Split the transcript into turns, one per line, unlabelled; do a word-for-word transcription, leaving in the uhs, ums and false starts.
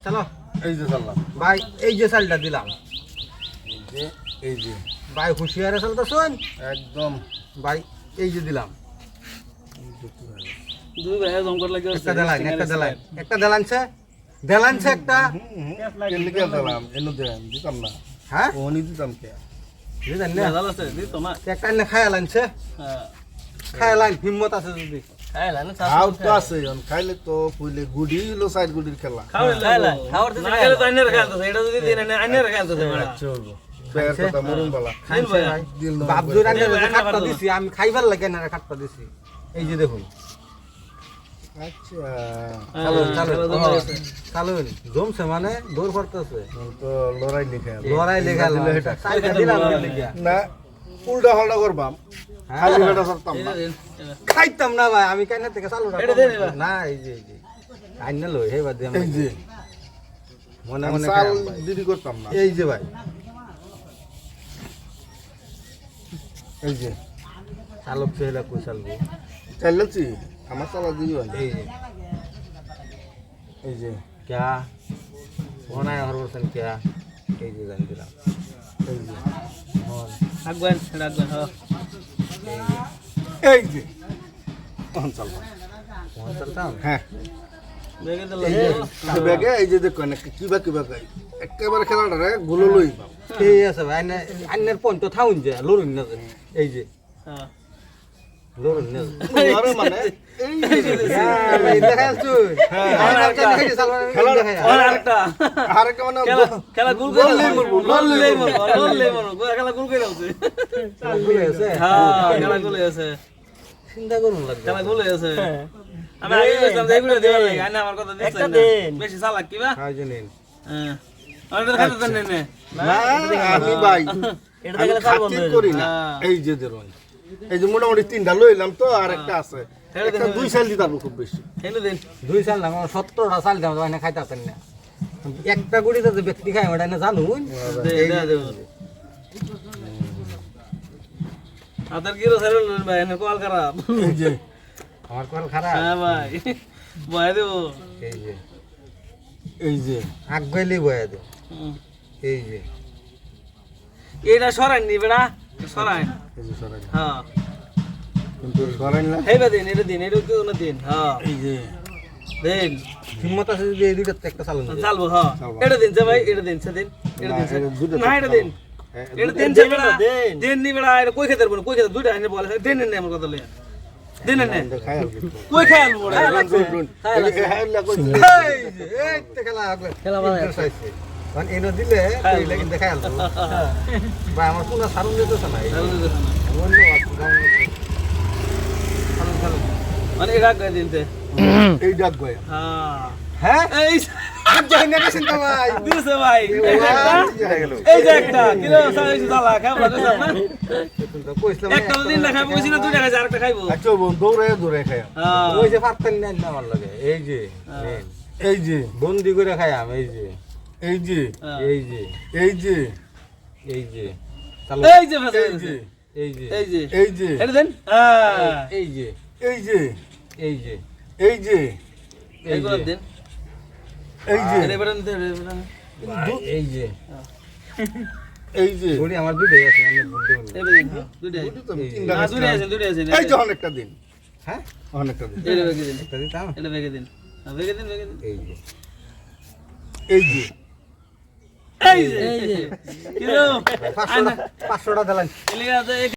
চলো
এই যে চাললাম
ভাই, এই যে চালটা দিলাম
এই যে এই যে
ভাই, হুঁশিয়ারে চালটা শোন
একদম
ভাই, এই যে দিলাম
দুই ভাই জঙ্গল লাগে
একটা দেলান একটা দেলান একটা দেলানছে দেলানছে একটা
লিখে দিলাম এনে দেন দিতাম না
হ্যাঁ
ও নি দিতাম কে
বুঝলেন না
ভালো আছে দিত না
একটা এনে খায়া লাইনছে
হ্যাঁ
খায়া লাইন হিম্মত আছে যদি
খাইলা না
খাও তো আছে অন খাইলে তো পইলে গুডি হলো সাইড গুডির খেলা
খাইলা খাওয়ার দিতে না গেলে তো আইনের খেলতেছে এটা যদি দিন না আইনের খেলতেছে বড়
চলবো বের কথা মরুন বালা
খাইছে ভাই বাপ জোর আনে খাটটা দিছি আমি খাইবার লাগে না খাটটা দিছি এই যে দেখুন
আচ্ছা
চালুন চালুন চালুন জমছে মানে দৌড় করতেছে
তো লড়াই লিখে
লড়াই লেখা চালটা দিলাম লেখা
না উল্টা হল্টা করবাম খালি বেটা করতাম না
খাইতাম না ভাই আমি কাইনা থেকে চালু
এটা দে দিবা।
না এই যে এই যে কাইনা লই হে বাদ
এই যে
মনে
আমি
মনে
চাল
খাইলাম ভাই।
দিদি করতাম না
এই যে ভাই
এই যে
চালক চেহলা কই চালবো
চাইলেছি আমার চালা দিবি
এই যে
এই যে
ক্যা মনে হর বলছেন ক্যা এই যে জান দিলাম
এই যে
হন
আগবেন আগবেন হ্যাঁ
এই যে তখন চালবা
মন চলতাম
হ্যাঁ
দেখে দিল
এই যে এই ব্যাগে এই যে দেখো না কিবা কিবা গাই একেবারে খেলাটা রে গুলো লই পাও
ঠিক আছে ভাই আইনে আইনের পয়েন্ট থাউন যে লরুন না যে। এই যে
হ্যাঁ
লরুন না যে।
আরে মানে এই যে
হ্যাঁ, ভাই, দেখাই তুই হ্যাঁ দেখাই চালবা দেখাই
আর আরেকটা
আরেকটা মানে
খেলা খেলা গুল করে
লড়লেই মরবো,
লড়লেই মরবো লড়লেই মরবো খেলা গুল করে আছে
ভুলে আছে
হ্যাঁ খেলা গুল আছে
চিন্তা করুন লাগবে
খেলা গুল আছে আমি আগে বলতাম যে এগুলো দেওয়ার লাগে আইনা আমার কথা দিছ না বেশি চালাক কিবা
হ্যাঁ জানেন
হ্যাঁ আর খাতে দেন নে
না আমি ভাই এটা দেখলে চাল বন্ধ করি না এই যে দেরই এই যে মোটামুটি তিনটা লইলাম তো আর একটা আছে একটা দুই সাল দিতাম খুব বেশি
এনে দিন
দুই সাল না আমার সত্তরটা সাল দাম তো খাইতে পারতেন না একটা গুড়িতে যে ব্যক্তি খায় ওটা না জানুন
দে দে দে আদার কিরো সারে লন ভাই এনে কল খারাপ
এই যে
আমার কল খারাপ
হ্যাঁ ভাই বয় দেব
এই যে
এই যে
আগ গইলি বয়া দে এই যে
এটা সরাই নি বেড়া সরাই
এই যে সরাই
হ্যাঁ
কিন্তু সরাই না
হেবা দিন এটা দিন এটা কেউ না দিন হ্যাঁ
এই যে
দিন
হিম্মত আছে যদি এই দুইটাতে একটা চালুন
চালবো হ্যাঁ এটা দিন যে ভাই এটা দিন সে দিন এটা দিন সে না এটা দিন এটা দিন যে বেড়া দিন নি বেড়া এটা কই খেতে পারবো কই খেতে দুইটা এনে বলে দিন নে আমার কথা লইয়া দিন নে
খাই
কই খেয়াল বড়
এই যে এই তে খেলা আগলে
খেলা বানায়।
চাইছে কারণ এনো দিলে এই লাগি দেখাই আলতো ভাই আমার পুরো সারুন দিতেছ না এই অন্য সারুন সারুন
মানে এটা কই দিনতে
এই ডাক গয়া
হ্যাঁ
হ্যাঁ
এই
জানি না চিন্তা ভাই
দিছে ভাই এই যে একটা এই যে একটা কিলো সাইজ দালা খাবো না
কইছিলাম
একটা দিন না খাবো কইছি না দুইটা খাইছে আরেকটা খাইবো
আচ্ছা বোন দৌড়ে দৌড়ে খাই
হ্যাঁ
ওই যে পারতেন না না আমার লাগে এই যে নেন।
এই যে
বন্দি করে খাইয়াম এই যে
এই যে
এই যে
এই যে
এই যে চালু
এই যে ভাষা
এই যে
এই যে
এই যে
এই যে
এটা দেন হ্যাঁ
এই যে
এই যে
এই যে
এই যে
এই
এইগুলো
যে
দেন
এই যে
এটা বেরান দেন
এই যে
এই যে
বড়ি আমার দুটোই আছে আমি বলতে বলবো
এটা দেন দুইটাই
তিনটা
না দুইটাই আছে দুইটাই আছে
এই যে অনেকটা দিন
হ্যাঁ
অনেকটা দিন
এটা বেগে দিন
একটা দিতাম
এটা বেগে দিন হ্যাঁ বেগে দিন বেগে দিন
এই যে
এই যে
এই যে এই যে কিলো
পাঁচশোটা পাঁচশোটা দিলাম
এলিগা আছে